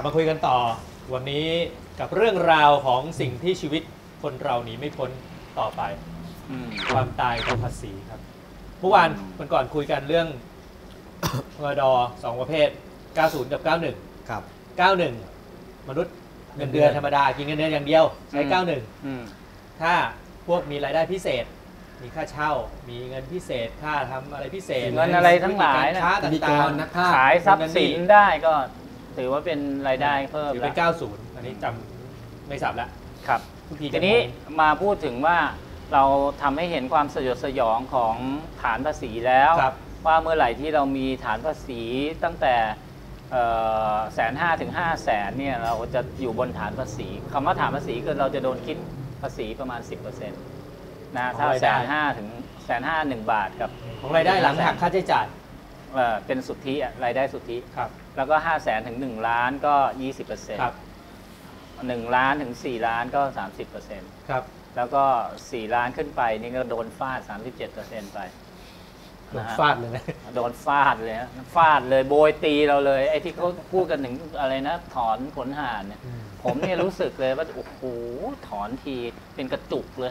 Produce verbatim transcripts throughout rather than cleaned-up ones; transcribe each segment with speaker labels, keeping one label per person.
Speaker 1: มาคุยกันต่อวันนี้กับเรื่องราวของสิ่งที่ชีวิตคนเราหนีไม่พ้นต่อไปความตายกับภาษีครับเมื่อวานวันก่อนคุยกันเรื่องมดสองประเภทเก้าสิบกับเก้าสิบเอ็ดครับเก้าสิบเอ็ดมนุษย์เงินเดือนธรรมดากินเงินเดือนอย่างเดียวใช้เก้าสิบเอ็ดถ้าพวกมีรายได้พิเศษมีค่าเช่ามีเงินพิเศษค่าทำอะไรพิเศษ
Speaker 2: เงินอะไรทั้งหลายนะ
Speaker 1: ต่างๆ
Speaker 2: ขายทรัพย์สินได้ก็ถือว่าเป็นรายได้เพิ่ม
Speaker 1: แล้วเป็นเก้าสิบอันนี้จำไม่สับแล้ว
Speaker 2: ครับทีนี้มาพูดถึงว่าเราทำให้เห็นความสยดสยองของฐานภาษีแล้วว่าเมื่อไหร่ที่เรามีฐานภาษีตั้งแต่แสนห้าถึงห้าแสนเนี่ยเราจะอยู่บนฐานภาษีคำว่าฐานภาษีคือเราจะโดนคิดภาษีประมาณ สิบเปอร์เซ็นต์ นะถ้าแสนห้าถึงแสนห้าหนึ่งบาทกับ
Speaker 1: ของรายได้หลังหักค่าใช้จ่าย
Speaker 2: เป็นสุทธิรายได้สุทธิแล้วก็ห้าแสนถึงหนึ่งล้านก็ ยี่สิบเปอร์เซ็นต์ หนึ่งล้านถึงสี่ล้านก็ สามสิบเปอร์เซ็นต์
Speaker 1: ครับ
Speaker 2: แล้วก็สี่ล้านขึ้นไปนี่ก็โดนฟาด สามสิบเจ็ดเปอร์เซ็นต์ ไป
Speaker 1: โดนฟาดเลยนะ
Speaker 2: โดนฟาดเลยนะฟาดเลยโบยตีเราเลยไอ้ที่เขาพูดกันถึงอะไรนะถอนขนห่านเนี่ยผมเนี่ยรู้สึกเลยว่าโอ้โหถอนทีเป็นกระจุกเลย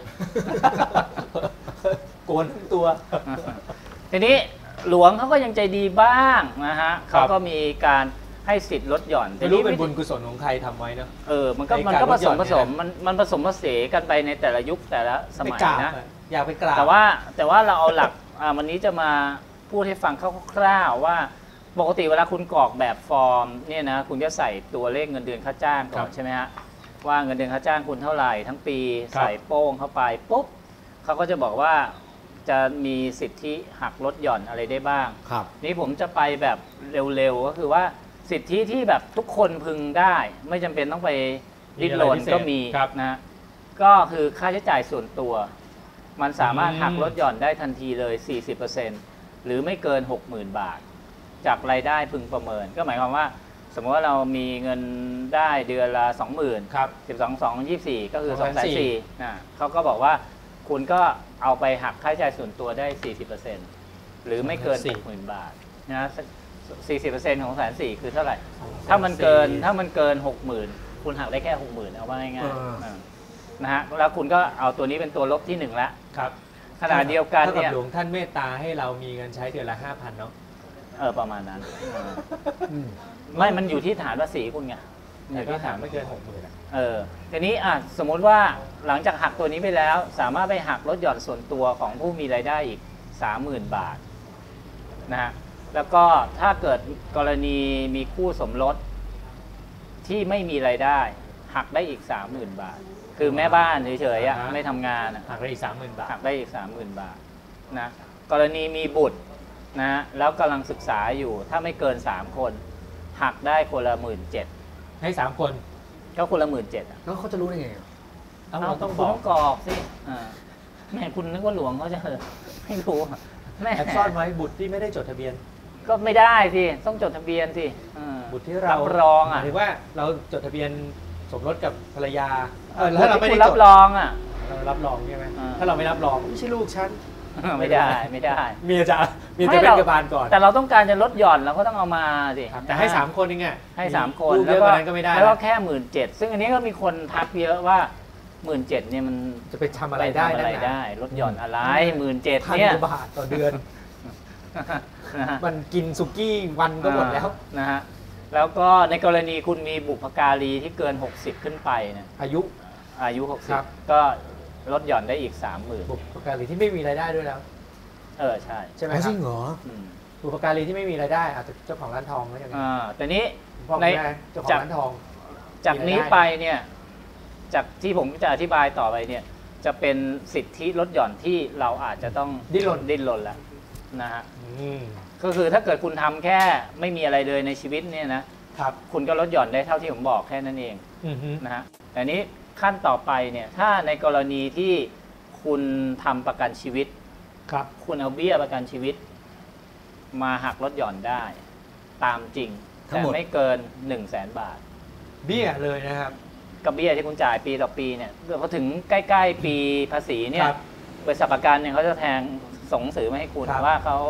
Speaker 1: โกนทั้งตัว
Speaker 2: ทีนี้หลวงเขาก็ยังใจดีบ้างนะฮะเขาก็มีการให้สิทธิ์ลดหย่อน
Speaker 1: ไม่รู้เป็นบุญกุศลของใครทำไว้เนาะ
Speaker 2: เออมันก็มันก็ผสมผสมมันมันผสมผสานกันไปในแต่ละยุคแต่ละสมัยนะ
Speaker 1: อยากไปกราบ
Speaker 2: แต่ว่าแต่ว่าเราเอาหลักวันนี้จะมาพูดให้ฟังคร่าวๆว่าปกติเวลาคุณกรอกแบบฟอร์มเนี่ยนะคุณจะใส่ตัวเลขเงินเดือนค่าจ้างก่อนใช่ไหมฮะว่าเงินเดือนค่าจ้างคุณเท่าไหร่ทั้งปีใส่โป้งเข้าไปปุ๊บเขาก็จะบอกว่าจะมีสิทธิหักลดหย่อนอะไรได้บ้างนี่ผมจะไปแบบเร็วๆก็คือว่าสิทธิที่แบบทุกคนพึงได้ไม่จำเป็นต้องไปดิ้นรนก็มีนะก็คือค่าใช้จ่ายส่วนตัวมันสามารถหักลดหย่อนได้ทันทีเลย สี่สิบเปอร์เซ็นต์ หรือไม่เกิน หกหมื่น บาทจากรายได้พึงประเมินก็หมายความว่าสมมติว่าเรามีเงินได้เดือนละ สองหมื่น ครับสิบสอง สอง ยี่สิบสี่ก็คือ สองแสนสี่หมื่น นะเขาก็บอกว่าคุณก็เอาไปหักค่าใช้จ่ายส่วนตัวได้ สี่สิบเปอร์เซ็นต์ หรือไม่เกิน หกหมื่น บาทนะสี่สิบเปอร์เซ็นต์ ของ หนึ่งแสนสี่หมื่น คือเท่าไหร่ถ้ามันเกินถ้ามันเกิน หกหมื่น คุณหักได้แค่ หกหมื่น เอาว่าง่ายๆนะฮะแล้วคุณก็เอาตัวนี้เป็นตัวลบที่หนึ่งละครับขณะเดียวกันเนี่ย
Speaker 1: หลวงท่านเมตตาให้เรามีเงินใช้เดือนละ ห้าพัน เนาะ
Speaker 2: เออประมาณนั้นไม่มันอยู่ที่ฐานภาษีคุณไง
Speaker 1: อยู่ที่ฐานไม่เกิน หกหมื่น
Speaker 2: เออทีนี้อ่ะสมมุติว่าหลังจากหักตัวนี้ไปแล้วสามารถไปหักลดหย่อนส่วนตัวของผู้มีรายได้อีก สามหมื่น บาทนะฮะแล้วก็ถ้าเกิดกรณีมีคู่สมรสที่ไม่มีรายได้หักได้อีก สามหมื่น บาทคือแม่บ้านเฉยๆไม่ทำงาน
Speaker 1: หักได้อีก สามหมื่น บาท
Speaker 2: หักได้อีก สามหมื่น บาทนะกรณีมีบุตรนะแล้วกำลังศึกษาอยู่ถ้าไม่เกินสามคนหักได้คนละ หนึ่งหมื่นเจ็ดพัน
Speaker 1: ให้สามคน
Speaker 2: ก็คนละ หนึ่งหมื่นเจ็ดพัน
Speaker 1: แล้วเขาจะรู้ได้ไง
Speaker 2: เราต้องต้องกรอกสิแม่คุณนึกว่าหลวงเขาจะไม่รู้
Speaker 1: แม่ซ่อนไว้บุตรที่ไม่ได้จดทะเบียน
Speaker 2: ก็ไม่ได้สิต้องจดทะเบียนสิ
Speaker 1: บุตรที่เรา
Speaker 2: รองอ่ะ
Speaker 1: หรือว่าเราจดทะเบียนสมรสกับภรรยา
Speaker 2: ถ้าเราไม่ได้รับรองอ่ะ
Speaker 1: เรารับรองใช่ไหมถ้าเราไม่รับรองไม่ใช่ลูกฉัน
Speaker 2: ไม่ได้ไม่ได้
Speaker 1: เมียจะเมียจะเป็นกระบาลก่อน
Speaker 2: แต่เราต้องการจะลดหย่อนเราก็ต้องเอามาสิ
Speaker 1: แต่ให้สามคนเองไง
Speaker 2: ให้สามคนแล้วก็แล้วก็แค่หมื่นเจ็ดซึ่งอันนี้ก็มีคนทักเยอะว่าหมื่นเจ็ดเนี่ยมัน
Speaker 1: จะไปทำอะไรได้
Speaker 2: อะไรได้ลดหย่อนอะไรหมื่นเจ็ดเนี่ย
Speaker 1: พันกว่าบาทต่อเดือนมันกินสุกี้วันก็หมดแล้ว
Speaker 2: นะฮะแล้วก็ในกรณีคุณมีบุพการีที่เกินหกสิบขึ้นไปเนี่ย
Speaker 1: อายุ
Speaker 2: อายุหกสิบก็ลดหย่อนได้อีก สามหมื่น
Speaker 1: บุพการีที่ไม่มีรายได้ด้วยแล้ว
Speaker 2: เออใช่
Speaker 1: ใช่ไหมครับจริงเหรอบุพการีที่ไม่มีรายได้อาจจะเจ้าของร้านทองไม่ใช่ไหม
Speaker 2: อ่าแต่นี้
Speaker 1: ในเจ้าของร้านทอง
Speaker 2: จากนี้ไปเนี่ยจากที่ผมจะอธิบายต่อไปเนี่ยจะเป็นสิทธิลดหย่อนที่เราอาจจะต้อง
Speaker 1: ดิ้นรน
Speaker 2: ดิ้นรนแล้วนะฮะก็คือถ้าเกิดคุณทำแค่ไม่มีอะไรเลยในชีวิตเนี่ยนะครับคุณก็ลดหย่อนได้เท่าที่ผมบอกแค่นั้นเองนะฮะแต่นี้ขั้นต่อไปเนี่ยถ้าในกรณีที่คุณทำประกันชีวิตครับคุณเอาเบี้ยประกันชีวิตมาหักลดหย่อนได้ตามจริงแต่ไม่เกิน หนึ่งแสน บาท
Speaker 1: เบี้ยเลยนะครับ
Speaker 2: กับเบี้ยที่คุณจ่ายปีต่อปีเนี่ยพอถึงใกล้ๆปีภาษีเนี่ยบริษัทประกันเนี่ยเขาจะแทงส่งหนังสือมาให้คุณว่าเขา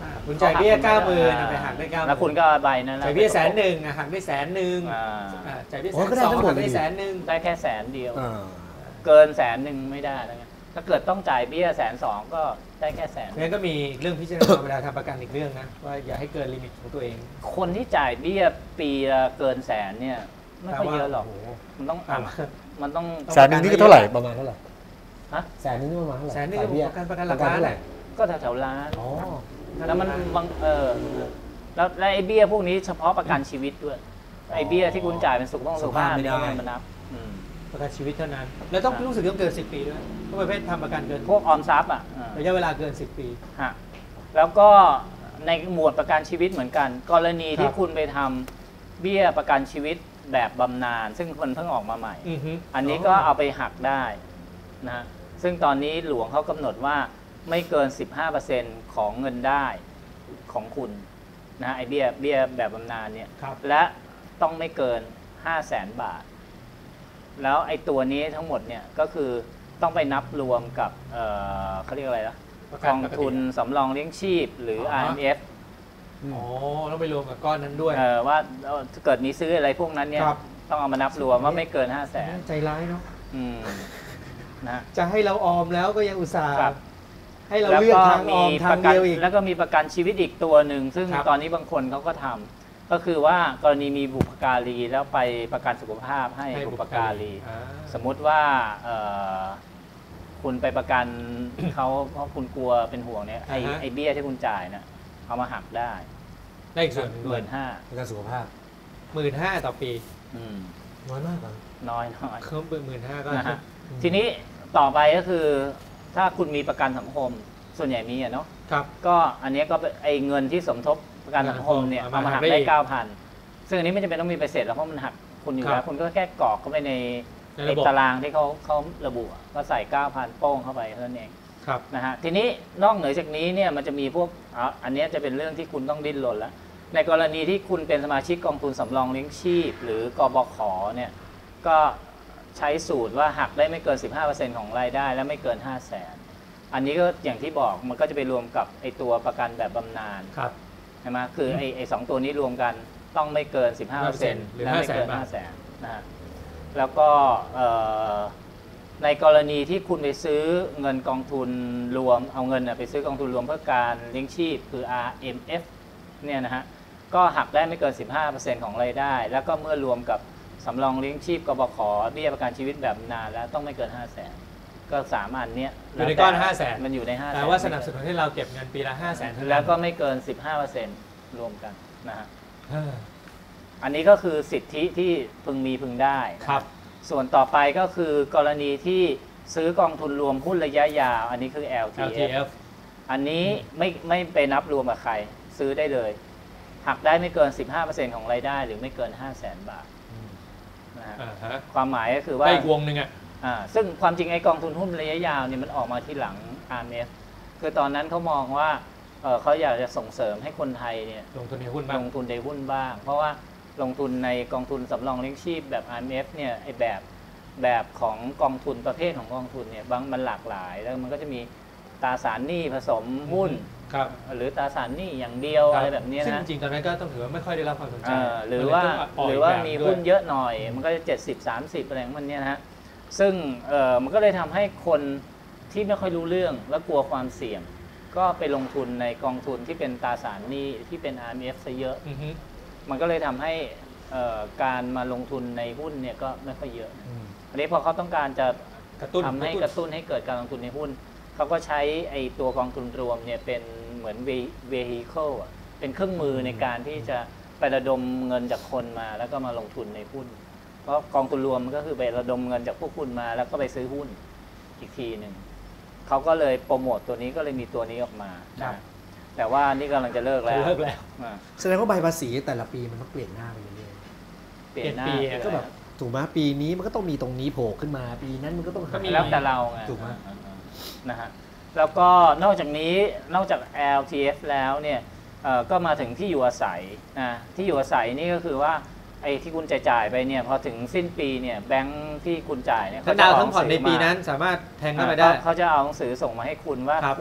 Speaker 1: อ่าคุณจ่ายเบี้ยเก้าหมื่นไปหักได้เก้าหมื่น
Speaker 2: แล้วคุณก็เอาใบนั้น
Speaker 1: จ่ายเบี้ยแสนหนึ่งหักได้แสนหนึ่ง
Speaker 2: อ่า
Speaker 1: อ่าจ่ายเบี้ย
Speaker 3: อ๋
Speaker 1: แส
Speaker 3: อน ก็ได้
Speaker 1: สอง
Speaker 3: ทั้งหมด
Speaker 1: หักได้
Speaker 3: เลย
Speaker 1: แสนหนึ่ง
Speaker 2: ได้แค่แสนเดียว
Speaker 3: อ่า
Speaker 2: เกินแสนหนึ่งไม่ได้แล้วไงถ้าเกิดต้องจ่ายเบี้ยแสนสองก็ได้แค่แสน
Speaker 1: งั้นก็มีเรื่องพิจารณาเวลาทำประกันอีกเรื่องนะว่าอย่าให้เกินลิมิตของตัวเอง
Speaker 2: คนที่จ่ายเบี้ยปีละเกินแสนเนี่ยไม่ค่อยเยอะหรอก
Speaker 1: โโ
Speaker 2: มันต้อง
Speaker 1: อ่า
Speaker 2: มันต้อง
Speaker 3: แสนหนึ่งนี่ก็เท่าไหร่ประมาณเท่าไหร่
Speaker 2: ฮะ
Speaker 3: แสนหนึงนี่ประมาณเท่าไหร่
Speaker 1: แสนหนึ่ง
Speaker 3: จ่ายเบี้ย
Speaker 1: ประกันประกันหลัก
Speaker 3: ประ
Speaker 1: ล้าน
Speaker 3: เท่าไห
Speaker 1: แห
Speaker 3: ร่
Speaker 1: ละ
Speaker 2: ก็แถวๆล้าน
Speaker 3: อ๋อ
Speaker 2: แล้วมันบางเออแล้วแล้วไอ้เบี้ยพวกนี้เฉพาะประกันชีวิตด้วยไอ้เบี้ยที่คุณจ่ายเป็นสุขภาพสุขภาพนี่ก็ไม่มานับอืม
Speaker 1: ประกันชีวิตเท่านั้น แล้วต้องรู้สึกต้องเกินสิบปีด้วยเพราะประเภททำประกันเกิน
Speaker 2: พวกออมทรัพย์อ่ะอ่า
Speaker 1: ระยะเวลาเกินสิบปี
Speaker 2: ฮะแล้วก็ในหมวดประกันชีวิตเหมือนกัน กรณีที่
Speaker 1: ครับ
Speaker 2: คุณไปทำเบี้ยประกันชีวิตแบบบำนาญซึ่งคนเพิ่งออกมาใหม่
Speaker 1: อือฮึ
Speaker 2: อันนี้ก็เอาไปหักได้นะซึ่งตอนนี้หลวงเขากำหนดว่าไม่เกิน สิบห้าเปอร์เซ็นต์ ของเงินได้ของคุณนะไอเบี้ยเบี้ยแบบบำนาญเนี่ย
Speaker 1: ครับ
Speaker 2: และต้องไม่เกิน ห้าแสน บาท แล้วไอตัวนี้ทั้งหมดเนี่ยก็คือต้องไปนับรวมกับเอ่อเขาเรียกอะไรนะ
Speaker 1: ประ
Speaker 2: ก
Speaker 1: กัน
Speaker 2: อง
Speaker 1: ปกติ
Speaker 2: ทุนสำรองเลี้ยงชีพหรือ
Speaker 1: อ๋อ
Speaker 2: อาร์ เอ็ม เอฟ
Speaker 1: อ๋อต้องไปรวมกับก้อนนั้นด้วย
Speaker 2: เอ่อว่าเอ่อถ้าเกิดมีซื้ออะไรพวกนั้นเนี่ย
Speaker 1: ครับ
Speaker 2: ต้องเอามานับรวมว่าไม่เกิน ห้าแสน
Speaker 1: ใจร้ายเนาะ
Speaker 2: อืมนะ
Speaker 1: จะให้เราออมแล้วก็ยังอุตส่าห์
Speaker 2: ครับ
Speaker 1: ให้เราเลือกทางออมทาง
Speaker 2: กั
Speaker 1: เดียวอีก
Speaker 2: แล้วก็มีประกันชีวิตอีกตัวหนึ่งซึ่ง
Speaker 1: ครับ
Speaker 2: ตอนนี้บางคนเขาก็ทำก็คือว่ากรณีมีบุพการีแล้วไปประกันสุขภาพให้
Speaker 1: ให้
Speaker 2: บุพการี
Speaker 1: อ่า
Speaker 2: สมมุติว่าเอ่อคุณไปประกัน เขาเพราะคุณกลัวเป็นห่วงเนี่ยไอ้
Speaker 1: อ่าฮะ
Speaker 2: ไอ้เบี้ยที่คุณจ่ายเนี่ยเอามาหักได้
Speaker 1: ได้อีกส่วนหนึ่ง
Speaker 2: ห
Speaker 1: ด้วย
Speaker 2: มื่นห้า
Speaker 3: ประกันสุขภาพ
Speaker 1: หมื่นห้าต่อปี
Speaker 3: น้อยมากเหรอ
Speaker 2: น้อยน้อย
Speaker 1: เพิ่มเป็นหมื่นห้าก็
Speaker 2: นะฮะ
Speaker 3: อืม
Speaker 2: ทีนี้ต่อไปก็คือถ้าคุณมีประกันสังคมส่วนใหญ่มีอะเนาะ
Speaker 1: ครับ
Speaker 2: ก็อันเนี้ยก็เป็นไอ้เงินที่สมทบประกันสังคมเนี่ย
Speaker 1: เอา
Speaker 2: เอา
Speaker 1: มา
Speaker 2: มา
Speaker 1: หั
Speaker 2: หั
Speaker 1: ก
Speaker 2: ก
Speaker 1: ได้
Speaker 2: ได้
Speaker 1: อีก
Speaker 2: เก้าพันซึ่งอันนี้ไม่จำเป็นต้องมีใบเสร็จแล้วเพราะมันหักคุณอยู่
Speaker 1: ครั
Speaker 2: แล้
Speaker 1: บ
Speaker 2: วคุณก็แค่กรอกเข้าไปใน
Speaker 1: ใน
Speaker 2: ไอ้
Speaker 1: ระบบ
Speaker 2: ตารางที่เขาเขาระบุอะก็ใส่เก้าพันโป้งเข้าไปเท่านั้นเอง
Speaker 1: ครับ
Speaker 2: นะฮะทีนี้นอกเหนือจากนี้เนี่ยมันจะมีพวกอ่ะอันเนี้ยจะเป็นเรื่องที่คุณต้องดิ้นรนแล้วในกรณีที่คุณเป็นสมาชิกกองทุนสำรองเลี้ยงชีพ หรือกบขเนี่ยก็ใช้สูตรว่าหักได้ไม่เกิน สิบห้าเปอร์เซ็นต์ ของรายได้และไม่เกิน ห้าแสน อันนี้ก็อย่างที่บอกมันก็จะไปรวมกับไอตัวประกันแบบบำนาญ
Speaker 1: ครับ
Speaker 2: ใช่ไหมคือไอไอสองตัวนี้รวมกันต้องไม่เกิน สิบห้าเปอร์เซ็นต์
Speaker 1: หรือ
Speaker 2: และไม่เกิน
Speaker 1: ห้า
Speaker 2: ห้า
Speaker 1: แส
Speaker 2: แส
Speaker 1: น
Speaker 2: นนะฮะแล้วก็เอ่อในกรณีที่คุณไปซื้อเงินกองทุนรวมเอาเงินน่ะไปซื้อกองทุนรวมเพื่อการเลี้ยงชีพคือ อาร์ เอ็ม เอฟ เนี่ยนะฮะก็หักได้ไม่เกิน สิบห้าเปอร์เซ็นต์ ของรายได้ แล้วก็เมื่อรวมกับสำรองเลี้ยงชีพกบขเบี้ยประกันชีวิตแบบนานแล้วต้องไม่เกิน ห้าแสน ก็สามอันเนี้ย
Speaker 1: อยู่ในก้อน
Speaker 2: แล้วแต่
Speaker 1: ห้าแสน
Speaker 2: มันอยู่ในห้าแสน
Speaker 1: แต่ว่าสนับสนุนให้เราเก็บเงินปีละห้าแสน
Speaker 2: แล้วก็ไม่เกิน สิบห้าเปอร์เซ็นต์ รวมกันนะฮะ
Speaker 1: เออ
Speaker 2: อันนี้ก็คือสิทธิที่พึงมีพึงได้นะครับ ส่วนต่อไปก็คือกรณีที่ซื้อกองทุนรวมหุ้นระยะยาว อันนี้คือ แอล ที
Speaker 1: แอล
Speaker 2: เอ
Speaker 1: ที
Speaker 2: ฟ
Speaker 1: เอฟ
Speaker 2: อันนี้ไม่ไม่ไปนับรวมกับใคร ซื้อได้เลย หักได้ไม่เกิน สิบห้าเปอร์เซ็นต์ ของรายได้ หรือไม่เกิน ห้าแสน บาทนะฮะ
Speaker 1: อ่าฮะ
Speaker 2: ความหมายก็คือว่า
Speaker 1: ได้อีกวงหนึ่งอ่ะ
Speaker 2: อ่าซึ่งความจริงไอ้กองทุนหุ้นระยะยาวเนี่ยมันออกมาที่หลัง อาร์ เอ็ม เอฟ คือตอนนั้นเขามองว่าเอ่อเขาอยากจะส่งเสริมให้คนไทยเนี่ย
Speaker 1: ลงทุนในหุ้น
Speaker 2: ล
Speaker 1: บ้าง
Speaker 2: งทุนในหุ้นบ้าง เพราะว่าลงทุนในกองทุนสำรองเลี้ยงชีพแบบ อาร์ เอ็ม เอฟ เนี่ยไอ้แบบแบบของกองทุนประเภทของกองทุนเนี่ยบางมันหลากหลาย แล้วมันก็จะมีตราสารหนี้ผสมหุ้น
Speaker 1: ครับ
Speaker 2: หรือตราสารหนี้อย่างเดียวอะไรแบบเนี้ย
Speaker 1: ซึ่ง
Speaker 2: นะ
Speaker 1: จริงๆตอนนั้นก็ต้องถือว่าไม่ค่อยได้รับความสนใจ
Speaker 2: เอ่อหรือว่า
Speaker 1: มันเลยต้อง
Speaker 2: หรือว่า
Speaker 1: ปล่ย
Speaker 2: มี
Speaker 1: แบบ
Speaker 2: หุ้น
Speaker 1: ด้ว
Speaker 2: เยอะหน่อย มันก็จะเจ็ดสิบ สามสิบอะไรของมันเนี่ยนะฮะซึ่งเอ่อมันก็เลยทำให้คนที่ไม่ค่อยรู้เรื่องและกลัวความเสี่ยง ก็ไปลงทุนในกองทุนที่เป็นตราสารหนี้ที่เป็น อาร์ เอ็ม เอฟ ซะเยอะ
Speaker 1: อือฮึ
Speaker 2: มันก็เลยทำให้เอ่อการมาลงทุนในหุ้นเนี่ยก็ไม่ค่อยเยอะ
Speaker 3: อืม
Speaker 2: อันนี้พอเขาต้องการจะ
Speaker 1: กระตุ้น
Speaker 2: ทำให้กระตุ้นให้เกิดการลงทุนในหุ้น เขาก็ใช้ไอ้ตัวกองทุนรวมเนี่ยเป็นเหมือน vehicle อ่ะเป็นเครื่องมือในการที่จะไประดมเงินจากคนมาแล้วก็มาลงทุนในหุ้น เพราะกองทุนรวมมันก็คือไประดมเงินจากพวกคุณมาแล้วก็ไปซื้อหุ้นอีกทีหนึ่งเขาก็เลยโปรโมตตัวนี้ก็เลยมีตัวนี้ออกมา
Speaker 1: ครับ
Speaker 2: นะแต่ว่านี่กำลังจะเลิกแล้ว
Speaker 1: เลิกแล้ว
Speaker 2: อ่า
Speaker 3: แสดงว่าใบภาษีแต่ละปีมันต้องเปลี่ยนหน้าไปเรื่อย
Speaker 2: เปลี่ยนหน้า
Speaker 1: เปลี่ยนปี
Speaker 3: ๆก็แบบถูกไหมปีนี้มันก็ต้องมีตรงนี้โผล่ขึ้นมาปีนั้นมันก็ต้องหา
Speaker 1: ก็มี
Speaker 2: แล้วแต่เราไง
Speaker 3: ถูกไหม
Speaker 2: อ่าๆนะฮะแล้วก็นอกจากนี้นอกจาก แอล ที เอฟ แล้วเนี่ยเอ่อก็มาถึงที่อยู่อาศัยนะที่อยู่อาศัยนี่ก็คือว่าไอ้ที่คุณจ่ายๆไปเนี่ยพอถึงสิ้นปีเนี่ยแบงค์ที่คุณจ่ายเนี่ย
Speaker 1: ทั้งดาวน์ทั้งผ่อนในปีนั้นสามารถแทงเข้าไปได้
Speaker 2: อ่าเขาจะเอาหนังสือส่งมาให้คุณว่า
Speaker 1: ครับ
Speaker 2: คุณ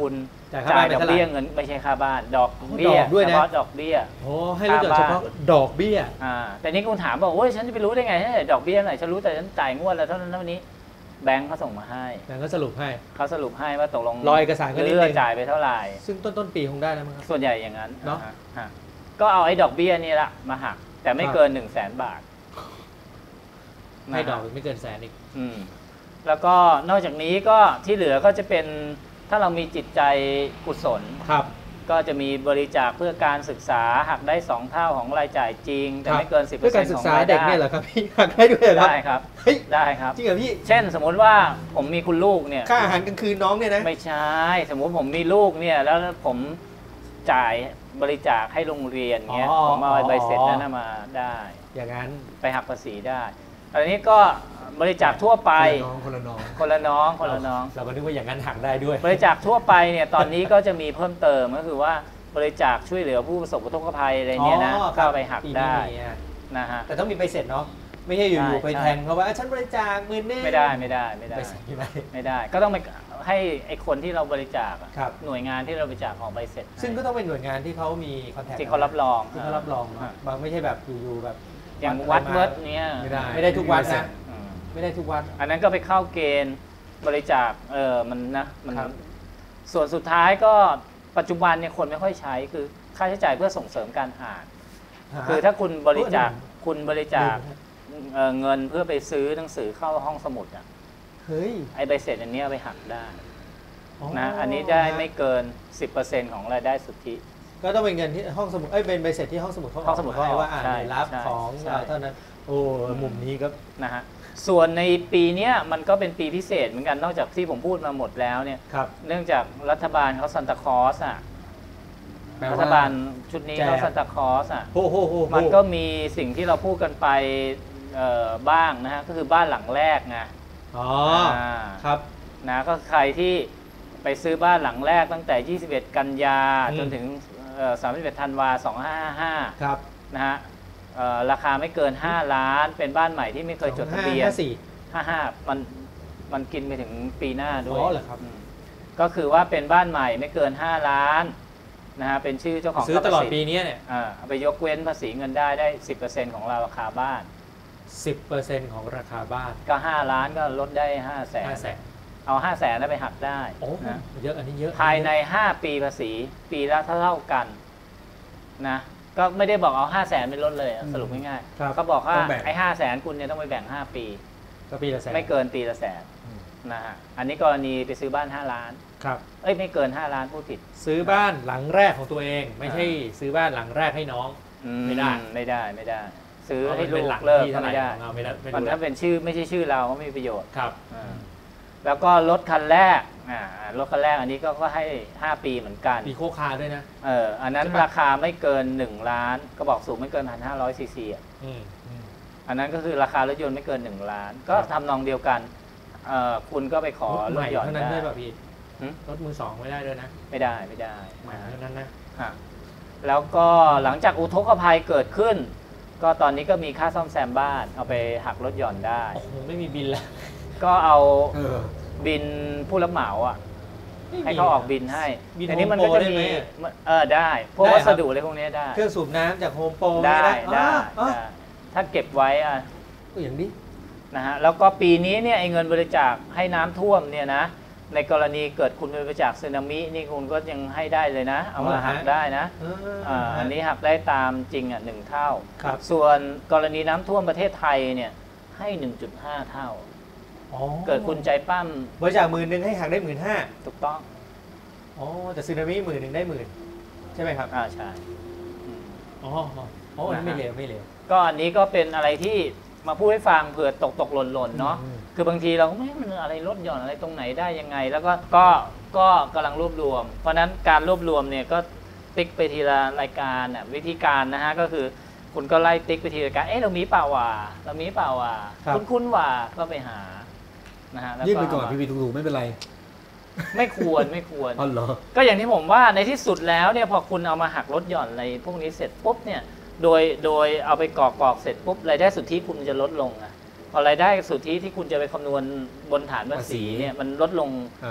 Speaker 1: จ่ายค่า
Speaker 2: จ่า
Speaker 1: บ้าย น
Speaker 2: ดอก
Speaker 1: เท่าไหร่
Speaker 2: เบี้ยเงินไม่ใช่ค่าบ้านดอกเบี้ย
Speaker 3: ดอกด้วยนะ
Speaker 2: เฉพาะดอกเบี้ย
Speaker 3: โอ้ให้ลดหย่อนเฉพาะดอกเบี้ย
Speaker 2: อ่าแต่นี่คุณถามบอกโอ้ยฉันจะไปรู้ได้ไงให้ดอกเบี้ยไหนฉันรู้แต่ฉันจ่ายงวดแล้วเท่านั้นเท่านี้แบงค์เขาส่งมาให้
Speaker 1: แต่ก็สรุปให้
Speaker 2: เขาสรุปให้ว่าตกลง
Speaker 1: รอเอกสารก็นิดนึง
Speaker 2: เลือจ่ายไปเท่าไหร่
Speaker 1: ซึ่งต้นต้นปีคงได้แล้วมั้งครับ
Speaker 2: ส่วนใหญ่อย่างนั้น
Speaker 1: เนอะ
Speaker 2: อ่ฮะก็เอาไอ้ดอกเบี้ยนี่ละมาหัก แต่ไม่
Speaker 1: ครับ
Speaker 2: เกินหนึ่งแสนบาท
Speaker 1: ให้ดอก
Speaker 2: นะฮะ
Speaker 1: ไม่เกินแสนอีก
Speaker 2: อืมแล้วก็นอกจากนี้ก็ที่เหลือก็จะเป็นถ้าเรามีจิตใจกุศล
Speaker 1: ครับ
Speaker 2: ก็จะมีบริจาคเพื่อการศึกษาหักได้สองเท่าของรายจ่ายจริง แต่
Speaker 1: ครับ
Speaker 2: ไม่เกิน สิบเปอ
Speaker 1: เพื่
Speaker 2: ร์
Speaker 1: อ
Speaker 2: เซ็
Speaker 1: กาน ร
Speaker 2: ต์
Speaker 1: ศึ
Speaker 2: ข
Speaker 1: ก
Speaker 2: อง
Speaker 1: ษาร
Speaker 2: าย
Speaker 1: เด็
Speaker 2: ได้
Speaker 1: กเนี่ยเหรอครับพี่หักได้ด้วยเหรอครับ
Speaker 2: ได้ครับ
Speaker 1: เฮ้ย
Speaker 2: ได้ครับ
Speaker 1: จริงเหรอพี่
Speaker 2: เช่นสมมุติว่าผมมีคุณลูกเนี่ย
Speaker 1: ค่าอาหารกลางคืนน้องเนี่ยนะ
Speaker 2: ไม่ใช่ สมมุติผมมีลูกเนี่ยแล้วผมจ่ายบริจาคให้โรงเรียนเงี้ย
Speaker 1: อ๋อ
Speaker 2: ผมเอาใบเสร็จ
Speaker 1: อ๋อ
Speaker 2: นั้นนะมาได้
Speaker 1: อย่างนั้น
Speaker 2: ไปหักภาษีได้ อันนี้ก็บริจาคทั่วไป
Speaker 3: คนละน้อง
Speaker 2: คนละน้องคนละน้อง
Speaker 1: เราก็นึกว่าอย่างนั้นหักได้ด้วย
Speaker 2: บริจาคทั่วไปเนี่ยตอนนี้ก็จะมีเพิ่มเติมก็คือว่าบริจาคช่วยเหลือผู้ประสบอุทกภัยอะไรเนี่ยนะ
Speaker 1: อ๋อ
Speaker 2: ก็ไปหัก
Speaker 1: ปีนี้
Speaker 2: ได้
Speaker 1: มีอะ
Speaker 2: นะฮะ
Speaker 1: แต่ต้องมีใบเสร็จเนาะไม่ใช่อยู่ๆไป
Speaker 2: ใช่
Speaker 1: แทงเขาว่าอ่ะฉันบริจาคหมื่นหนึง
Speaker 2: ไม่ได้ไม่ได้ไม่ได้
Speaker 1: ใบเสร็จไม่ได้
Speaker 2: ไม่ได้ ก็ต้องไปให้ไอ้คนที่เราบริจาคอะ
Speaker 1: ครับ
Speaker 2: หน่วยงานที่เราบริจาคออกใบเสร็จให้
Speaker 1: ซึ่งก็ต้องเป็นหน่วยงานที่เขามีคอนแทค
Speaker 2: ที่เขารับรอง
Speaker 1: ที่เขารับรองเนอะ
Speaker 2: อ่า
Speaker 1: บางไม่ใช่แบบอยู่ๆแบบ
Speaker 2: อย่างวัด
Speaker 1: มา
Speaker 2: เวิร์ดเนี่ย
Speaker 3: ไม่ได้
Speaker 1: ไม่ได้ทุกวัดนะ
Speaker 2: อืม
Speaker 1: ไม่ได้ทุกวัด
Speaker 2: อันนั้นก็ไปเข้าเกณฑ์บริจาคเออมันนะมัน
Speaker 1: ครับ
Speaker 2: ส่วนสุดท้ายก็ปัจจุบันเนี่ยคนไม่ค่อยใช้คือค่าใช้จ่ายเพื่อส่งเสริมการอ่าน คือถ้าคุณบริจาคคุณบริจาคเอ่อเงินเพื่อไปซื้อหนังสือเข้าห้องสมุดอ่ะ
Speaker 1: เฮ้ย
Speaker 2: ไอ้ใบเสร็จอันเนี้ยเอาไปหักได้นะอันนี้ได้ไม่เกิน สิบเปอร์เซ็นต์ ของรายได้สุทธิ
Speaker 1: ก็ต้องเป็นเงินที่ห้องสมุดเอ้ยเป็นใบเสร็จที่ห้องสมุดเขา
Speaker 2: ห้องสมุด
Speaker 1: เขาให้ว่า
Speaker 2: เขาออก
Speaker 1: อ่าน
Speaker 2: ใช่
Speaker 1: ได้รับ
Speaker 2: ใช่
Speaker 1: ของ
Speaker 2: ใช่
Speaker 1: เราเท่านั้นโอ้มุมนี้ก็
Speaker 2: นะฮะส่วนในปีเนี้ยมันก็เป็นปีพิเศษเหมือนกันนอกจากที่ผมพูดมาหมดแล้วเนี่ย
Speaker 1: ครับ
Speaker 2: เนื่องจากรัฐบาลเขาซันตาคลอสอ่ะ
Speaker 3: แปล
Speaker 2: รั
Speaker 3: ว่า
Speaker 2: ฐบาลชุดนี้
Speaker 1: แจก
Speaker 2: เขาซันตาคลอสอ่ะ
Speaker 1: โอ้โหโหโห
Speaker 2: มันก็มีสิ่งที่เราพูดกันไปเอ่อบ้างนะฮะก็คือบ้านหลังแรกไง
Speaker 1: อ๋อ
Speaker 2: อ่า
Speaker 1: ครับ
Speaker 2: นะก็ใครที่ไปซื้อบ้านหลังแรกตั้งแต่ ยี่สิบเอ็ด กันยา
Speaker 1: อืม
Speaker 2: จนถึงเอ่อสามสิบเอ็ด ธันวา สองพันห้าร้อยห้าสิบห้า
Speaker 1: ครับ
Speaker 2: นะฮะเอ่อราคาไม่เกิน ห้า ล้าน เป็นบ้านใหม่ที่ไม่เคยจดทะเบียน
Speaker 1: ห้าสี่
Speaker 2: ห้าห้ามันมันกินไปถึงปีหน้าด้วย
Speaker 1: อ๋อเหรอครับ
Speaker 2: มก็คือว่าเป็นบ้านใหม่ไม่เกิน ห้า ล้านนะฮะเป็นชื่อเจ้าของ
Speaker 1: ซื้อตลอด
Speaker 2: ทรัพย์
Speaker 1: ปี
Speaker 2: สิน
Speaker 1: นี้เนี่ย
Speaker 2: อ่าเอาไปยกเว้นภาษีเงินได้ได้ สิบเปอร์เซ็นต์ ของราคาบ้าน
Speaker 1: สิบเปอร์เซ็นต์ของราคาบ้าน
Speaker 2: ก็ ห้า ล้านก็ลดได้ ห้า แสน
Speaker 1: ห้าแสน
Speaker 2: เอา ห้า แสนนั้นไปหักได้
Speaker 1: โอ้
Speaker 2: นะ
Speaker 1: เยอะอันนี้เยอะ
Speaker 2: ภายใน ห้า ปีภาษีปีละเท่าๆกันนะก็ไม่ได้บอกเอา ห้า แสนไปลดเลยอะสรุปง่าย
Speaker 1: ครับ
Speaker 2: ๆเขาบอกว่า
Speaker 3: ต้องแบ่ง
Speaker 2: ไอ้ห้าแสนคุณเนี่ยต้องไปแบ่ง ห้า ปี
Speaker 1: ก็ปีละแสน
Speaker 2: ไม่เกินปีละแสนนะฮะอันนี้กรณีไปซื้อบ้าน ห้า ล้าน
Speaker 1: ครับ
Speaker 2: เอ้ยไม่เกิน ห้า ล้านพูดผิด
Speaker 1: ซื้อบ้านหลังแรกของตัวเอง ไม่ใช่ซื้อบ้านหลังแรกให้น้อง
Speaker 2: อื
Speaker 1: ไม่ได้
Speaker 2: ไม่ได้ไม่ได้ ซื้อ
Speaker 1: เพราะ
Speaker 2: ให้
Speaker 1: มัน
Speaker 2: ลู
Speaker 1: เป็น
Speaker 2: ก
Speaker 1: หลัง
Speaker 2: เลิก
Speaker 1: ที่
Speaker 2: ก็
Speaker 1: เท่าไหร่
Speaker 2: ไม่ได้
Speaker 1: ของเราไม่ได้ไม่
Speaker 2: มัน
Speaker 1: รู้
Speaker 2: ถ้าเป็นชื่อไม่ใช่ชื่อเราก็ไม่มีประโยชน์
Speaker 1: ครับ
Speaker 2: อ่าแล้วก็รถคันแรกอ่ารถคันแรกอันนี้ก็ก็ให้ ห้า ปีเหมือนกัน
Speaker 1: มีโคคาด้วยนะ
Speaker 2: เอออันนั้น
Speaker 1: ใช่ปะ
Speaker 2: ราคาไม่เกิน หนึ่ง ล้านก็บอกสูงไม่เกิน หนึ่งพันห้าร้อย ซีซีอ่ะ
Speaker 1: อืมอืม
Speaker 2: อันนั้นก็คือราคารถยนต์ไม่เกิน หนึ่ง ล้าน ก็
Speaker 1: ครับ
Speaker 2: ทำนองเดียวกันเอ่อคุณก็ไปขอ
Speaker 1: รถ
Speaker 2: ล
Speaker 1: ให
Speaker 2: ด
Speaker 1: ม่
Speaker 2: หย่อน
Speaker 1: เท่านั้น
Speaker 2: ได้
Speaker 1: ด้วยป่ะพี่
Speaker 2: หึ
Speaker 1: รถมือสองไม่ได้ด้วยนะ
Speaker 2: ไม่ได้ไม่ได้
Speaker 1: ใหม่
Speaker 2: นะ
Speaker 1: เท่านั้นนะ
Speaker 2: ฮะแล้วก็หลังจากอุทกภัยเกิดขึ้น ก็ตอนนี้ก็มีค่าซ่อมแซมบ้าน เอาไปหักลดหย่อนได้
Speaker 1: โอ้โหไม่มีบินแล้ว
Speaker 2: ก็เอา
Speaker 3: เออ
Speaker 2: บินผู้รับเหมาอ่ะ
Speaker 1: ไม่มี
Speaker 2: ให้เขาออกบินให้
Speaker 1: บิน
Speaker 2: แต่นี้มันก็
Speaker 1: Home Pro
Speaker 2: จะ
Speaker 1: ได้ไหม
Speaker 2: มี
Speaker 1: อะ
Speaker 2: เออได้พวก
Speaker 1: ได้ครั
Speaker 2: วั
Speaker 1: บ
Speaker 2: สดุอะไรพวกนี้ได้
Speaker 1: เครื่องสูบน้ำจากโฮมโปร
Speaker 2: ได้ได้
Speaker 1: อ๋อ
Speaker 2: ได้ถ้าเก็บไว้อ่ะ
Speaker 1: อ๋ออย่างนี้
Speaker 2: นะฮะแล้วก็ปีนี้เนี่ยไอ้เงินบริจาคให้น้ำท่วมเนี่ยนะในกรณีเกิดคุณบริจาคสึนามินี่คุณก็ยังให้ได้เลยนะ เอามาหักได้นะ
Speaker 1: เออ
Speaker 2: อ่าอันนี้หักได้ตามจริงอ่ะหนึ่งเท่า
Speaker 1: ครับ
Speaker 2: ส่วนกรณีน้ำท่วมประเทศไทยเนี่ยให้ หนึ่งจุดห้า เท่า
Speaker 1: อ๋อ
Speaker 2: เกิดคุณใจปั้ม
Speaker 1: บริจาคหมื่นหนึ่งให้หักได้หมื่นห้า
Speaker 2: ถูกต้อง
Speaker 1: อ๋อแต่ซึนามิหมื่นหนึ่งได้หมื่นใช่ไหมครับ
Speaker 2: อ่าใช่อืม
Speaker 1: อ๋ออ๋ออันนี้ไม่เลวไม่เลว
Speaker 2: ก็อันนี้ก็เป็นอะไรที่มาพูดให้ฟังเผื่อตกตกหล่นหล่นเนาะ
Speaker 1: อืม
Speaker 2: คือบางทีเราก็ไม่มันอะไรลดหย่อนอะไรตรงไหนได้ยังไง แล้วก็ก็ก็กำลังรวบรวม เพราะฉะนั้นการรวบรวมเนี่ยก็ติ๊กไปทีละรายการน่ะวิธีการนะฮะก็คือคุณก็ไล่ติ๊กไปทีละรายการเอ๊ะเรามีเปล่าว่ะเรามีเปล่าว่ะ
Speaker 1: ครับ
Speaker 2: คุณคุณว่ะก็ไปหานะฮะแล้ว
Speaker 3: ยื่นไปก่อน
Speaker 2: เา
Speaker 3: พี
Speaker 2: มา
Speaker 3: พีถูกๆไม่เป็นไร
Speaker 2: ไม่ควรไม่ควร
Speaker 3: อ๋อเหรอ
Speaker 2: ก็อย่างที่ผมว่าในที่สุดแล้วเนี่ยพอคุณเอามาหักลดหย่อนอะไรพวกนี้เสร็จปุ๊บเนี่ยโดยโดยเอาไปกรอกกรอกเสร็จปุ๊บรายได้สุทธิคุณจะลดลงอะพอรายได้สุทธิที่คุณจะไปคำนวณบนฐานภาษีเนี่ยมันลดลง
Speaker 3: อ่า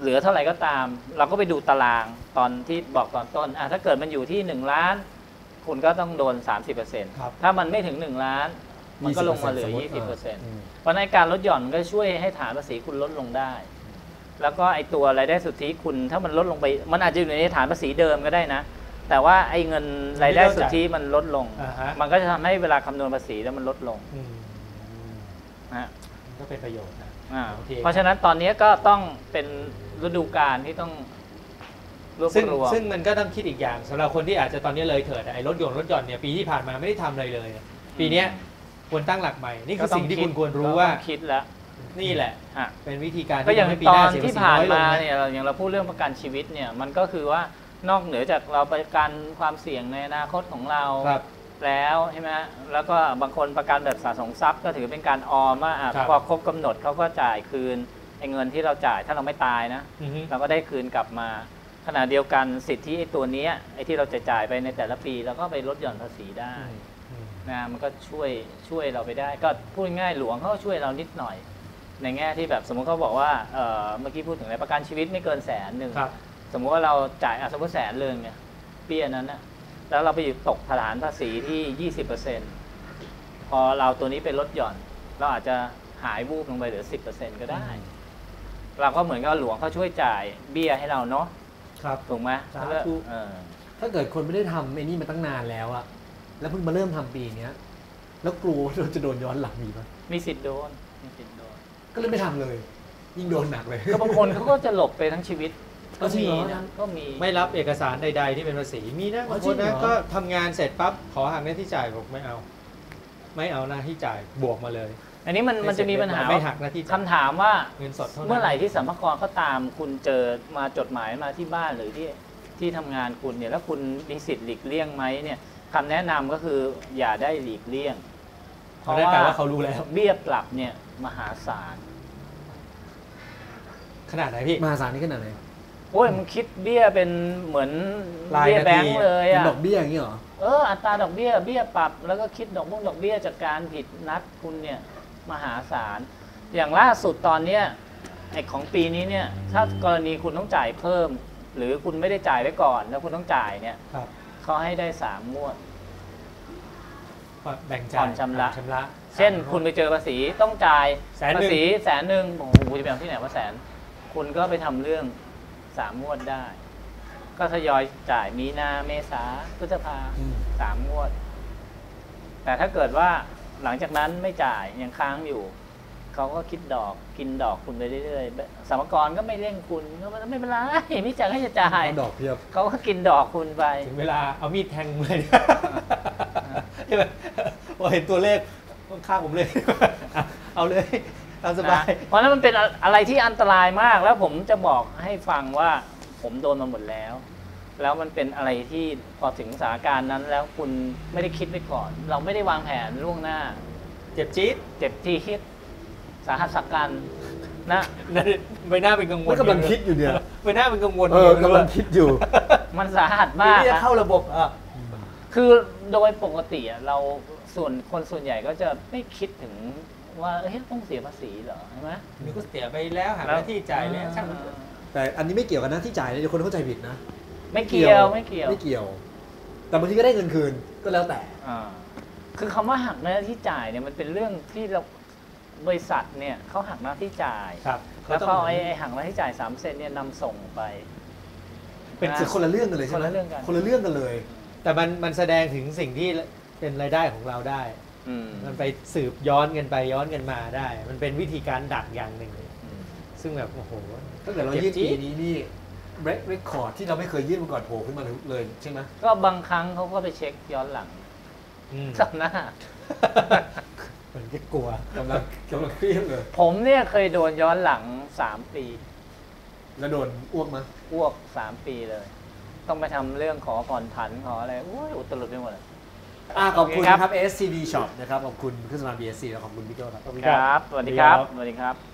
Speaker 2: เหลือเท่าไหร่ก็ตาม เราก็ไปดูตารางตอนที่บอกตอนต้นอ่ะถ้าเกิดมันอยู่ที่หนึ่งล้านคุณก็ต้องโดน สามสิบเปอร์เซ็นต์
Speaker 1: ครับ
Speaker 2: ถ้ามันไม่ถึงหนึ่งล้านมันก็ลงมาเหลือ ยี่สิบเปอร์เซ็นต์ เพราะในการลดหย่อนมันก็ช่วยให้ฐานภาษีคุณลดลงได้ แล้วก็ไอตัวรายได้สุทธิคุณถ้ามันลดลงไปมันอาจจะอยู่ในฐานภาษีเดิมก็ได้นะแต่ว่าไอเงินรายได้สุทธิมันลดลง
Speaker 1: อ่าฮะ
Speaker 2: มันก็จะทำให้เวลาคำนวณภาษีแล้วมันลดลง
Speaker 1: อืม
Speaker 2: นะฮะ
Speaker 1: ก็เป็นประโยชน์นะ
Speaker 2: อ่า
Speaker 1: โอเค
Speaker 2: เพราะฉะนั้นตอนนี้ก็ต้องเป็นฤดูกาลที่ต้องรวบ
Speaker 1: ซึ่ง
Speaker 2: รวม
Speaker 1: ซึ่งมันก็ต้องคิดอีกอย่างสำหรับคนที่อาจจะตอนนี้เลยเถิดไอ้รถยนต์รถหย่อนเนี่ยปีที่ผ่านมาไม่ได้ทำอะไรเลย ปีเนี้ยควรตั้งหลักใหม่นี่คือสิ่งที่คุณควรรู้ว่า
Speaker 2: ก็ต้องคิดแล้ว
Speaker 1: นี่แหละ
Speaker 2: อ่ะ
Speaker 1: เป็นวิธีการ
Speaker 2: ก็อย่าง
Speaker 1: ทำให้ปี
Speaker 2: ต
Speaker 1: ห
Speaker 2: อ
Speaker 1: น้าน เสียภา
Speaker 2: ที่
Speaker 1: ษี
Speaker 2: ผ่าน
Speaker 1: น้อยลง
Speaker 2: มา
Speaker 1: นะ
Speaker 2: เนี่ยเราอย่างเราพูดเรื่องประกันชีวิตเนี่ยมันก็คือว่านอกเหนือจากเราประกันความเสี่ยงในอนาคตของเรา
Speaker 1: ครับ
Speaker 2: แล้วใช่ไหมแล้วก็บางคนประกันแบบสะสมทรัพย์ก็ถือเป็นการออมว่าอ่ะ
Speaker 1: ครับ
Speaker 2: พอครบกำหนดเขาก็จ่ายคืนไอ้เงินที่เราจ่ายถ้าเราไม่ตายนะ
Speaker 1: อือฮึ
Speaker 2: เราก็ได้คืนกลับมาขณะเดียวกันสิทธิไอ้ตัวเนี้ยไอ้ที่เราจะจ่ายไปในแต่ละปีเราก็ไปลดหย่อนภาษีได้
Speaker 1: อืม
Speaker 2: นะมันก็ช่วยช่วยเราไปได้ ก็พูดง่ายๆหลวงเขาก็ช่วยเรานิดหน่อย ในแง่ที่แบบสมมติเขาบอกว่าเอ่อเมื่อกี้พูดถึงอะไรประกันชีวิตไม่เกินแสนหนึ่ง
Speaker 1: ครับ
Speaker 2: สมมติว่าเราจ่ายอ่ะสมมติแสนเลยเนี่ยเบี้ยนั้นนะแล้วเราไปอยู่ตกฐานภาษีที่ ยี่สิบเปอร์เซ็นต์ พอเราตัวนี้ไปลดหย่อน เราอาจจะหายวูบลงไปเหลือ สิบเปอร์เซ็นต์ ก็ได้ เราก็เหมือนกับหลวงเขาช่วยจ่ายเบี้ยให้เราเนาะ
Speaker 1: ครับ
Speaker 2: ถูกไหม
Speaker 3: สาธุ
Speaker 2: เออ
Speaker 3: ถ้าเกิดคนไม่ได้ทำไอ้นี่มาตั้งนานแล้วอะแล้วเพิ่งมาเริ่มทำปีเนี้ยแล้วกลัวว่าเราจะโดนย้อนหลังมีปะ
Speaker 2: มีสิทธิ์โดนมีสิทธิ์โดน
Speaker 3: ก็เลยไม่ทำเลย ยิ่งโดนหนักเลย
Speaker 2: ก็บางคนเขาก็จะหลบไปทั้งชีวิตก็
Speaker 3: จริง
Speaker 2: มี
Speaker 3: เหรอ
Speaker 2: นะก็มี
Speaker 1: ไม่รับเอกสารใด ๆ ที่เป็นภาษีมีนะ
Speaker 3: อ๋อบ
Speaker 1: าง
Speaker 3: จริ
Speaker 1: คน
Speaker 3: งเหร
Speaker 1: นะ
Speaker 3: อ
Speaker 1: ก็ทำงานเสร็จปั๊บขอหักหน้าที่จ่ายบอกไม่เอา ไม่เอาหน้าที่จ่ายบวกมาเลย
Speaker 2: อันนี้มันมันจะมีปัญหา
Speaker 1: ไม่หักหน้าที่จ่าย
Speaker 2: คำถามว่า
Speaker 1: เงินสดเท่านั้น
Speaker 2: เมื่อไหร่ที่สัมภาระเขาตามคุณเจอมาจดหมายมาที่บ้านหรือที่ที่ทำงานคุณเนี่ยแล้วคุณมีสิทธิ์หลีกเลี่ยงไหมเนี่ยคำแนะนำก็คืออย่าได้หลีกเลี่ยง
Speaker 1: เพราะได้แปลว่าเขารู้แล้ว
Speaker 2: เบี้ยปรับเนี่ยมหาศาล
Speaker 1: ขนาดไหนพี่
Speaker 3: มหาศาลนี่ขนาดไหน
Speaker 2: โอ้ยมันคิดเบี้ยเป็นเหมือน
Speaker 1: ราย
Speaker 2: เบี้ย
Speaker 1: นาที
Speaker 2: แบงค์เลย
Speaker 3: เป็น
Speaker 2: อะ
Speaker 3: ดอกเบี้ยอย่างนี้เหรอ
Speaker 2: เอออัตราดอกเบี้ยเบี้ยปรับแล้วก็คิดดอกบุ้งดอกเบี้ยจากการผิดนัดคุณเนี่ยมหาศาลอย่างล่าสุดตอนเนี้ยไอ้ของปีนี้เนี่ยถ้ากรณีคุณต้องจ่ายเพิ่ม หรือคุณไม่ได้จ่ายไว้ก่อน แล้วคุณต้องจ่ายเนี่ย
Speaker 1: ครับ
Speaker 2: เขาให้ได้สามงวด
Speaker 1: แบ่งจ่าย
Speaker 2: ผ่อนชำระ
Speaker 1: ชำระ
Speaker 2: เช่นคุณไปเจอภาษีต้องจ่าย
Speaker 1: แสนหนึ่ง
Speaker 2: ภาษีแสนหนึ่งโอ้โหจะไปเอาที่ไหนว่าแสน คุณก็ไปทำเรื่องสามงวดได้ ก็ทยอยจ่ายมีนาเมษาพฤษภา
Speaker 3: อืม
Speaker 2: สามงวด แต่ถ้าเกิดว่าหลังจากนั้นไม่จ่ายยังค้างอยู่ เขาก็คิดดอกกินดอกคุณไปเรื่อยๆสมกรก็ไม่เร่งคุณก็ไม่เป็นไรไม่จ่ายก็จะจ่าย
Speaker 3: เอาดอกเพียบ
Speaker 2: เขาก็กินดอกคุณไป
Speaker 1: ถึงเวลาเอามีดแทงเลยใช่ไหมพอเห็นตัวเลขข้างผมเลย อ่ะเอาเลยตามสบาย
Speaker 2: นะเพราะฉะนั้นมันเป็นอะไรที่อันตรายมากแล้วผมจะบอกให้ฟังว่าผมโดนมาหมดแล้ว แล้วมันเป็นอะไรที่พอถึงสถานการณ์นั้น แล้วคุณไม่ได้คิดไว้ก่อน เราไม่ได้วางแผนล่วงหน้า
Speaker 1: เจ็บจี๊ด
Speaker 2: เจ็บที่คิดสาหัสสักกันนะ
Speaker 1: ใบหน้าเป็นกังวล
Speaker 3: ไม่กำลังคิดอยู่เนี่ย
Speaker 1: ใบหน้าเป็นกังวล
Speaker 3: เออกำลังคิดอยู่
Speaker 2: มันสาหัส
Speaker 1: มาม
Speaker 2: าก
Speaker 1: ที่จะ
Speaker 2: นะ
Speaker 1: เข้าระบบอ่ะ
Speaker 2: คือโดยปกติอะเราส่วนคนส่วนใหญ่ก็จะไม่คิดถึงว่าเฮ้ยต้องเสียภาษีเหรอใช่ไหม
Speaker 1: นี่ก็เสียไปแล้วหาหน้าที่จ่ายแล้วช่างมัน
Speaker 3: แต่อันนี้ไม่เกี่ยวกันนะที่จ่ายเนี่ยเดี๋ยวคนเข้าใจผิดนะ
Speaker 2: ไม่เกี่ยวไม่เกี่ยว
Speaker 3: ไม่เกี่ยว แต่บางทีก็ได้เงินคืนก็แล้วแต่
Speaker 2: อ่าคือคำว่าหักหน้าที่จ่ายเนี่ยมันเป็นเรื่องที่เราบริษัทเนี่ยเขาหักหน้าที่จ่าย
Speaker 1: ครับ
Speaker 2: แล้วก็ไอ้ไอ้หักหน้าที่จ่ายสามเซนเนี่ยนำส่งไป
Speaker 3: เป็นคือคนละเรื่องกันเลยใช่ไหม
Speaker 2: คนละเรื่องกัน
Speaker 3: คนละเรื่องกันเลย
Speaker 1: แต่มันมันแสดงถึงสิ่งที่เป็นรายได้ของเราได้
Speaker 2: อืม
Speaker 1: มันไปสืบย้อนกันไปย้อนกันมาได้ มันเป็นวิธีการดักอย่างหนึ่ง
Speaker 2: อืม
Speaker 1: ซึ่งแบบโอ้โห
Speaker 3: ถ้าเกิดเรายื่นปีนี้นี่เรคคอร์ดที่เราไม่เคยยื่นมาก่อนโผล่ขึ้นมาเลยใช่ไหม
Speaker 2: ก็บางครั้งเขาก็ไปเช็คย้อนหลัง
Speaker 1: อืม
Speaker 2: สับหน้า
Speaker 1: เหมือนจะกลัว
Speaker 3: กำลังกำลังเครียดเลย
Speaker 2: ผมเนี่ยเคยโดนย้อนหลังสามปี
Speaker 3: แล้วโดนอ้วกมั้ย
Speaker 2: อ้วกสามปีเลย ต้องไปทำเรื่องขอผ่อนผันขออะไรโอ้ยอุตลุดไปหมดเลย
Speaker 3: อ่าขอบคุณ
Speaker 2: โอเคครับ
Speaker 3: นะครับ เอส ซี บี Shop นะครับขอบคุณเครื่องสำอาง บี เอส ซี และขอบคุณพี่โจ้ครับ
Speaker 2: ครับ สวัสดีครับ สวัสดีครับ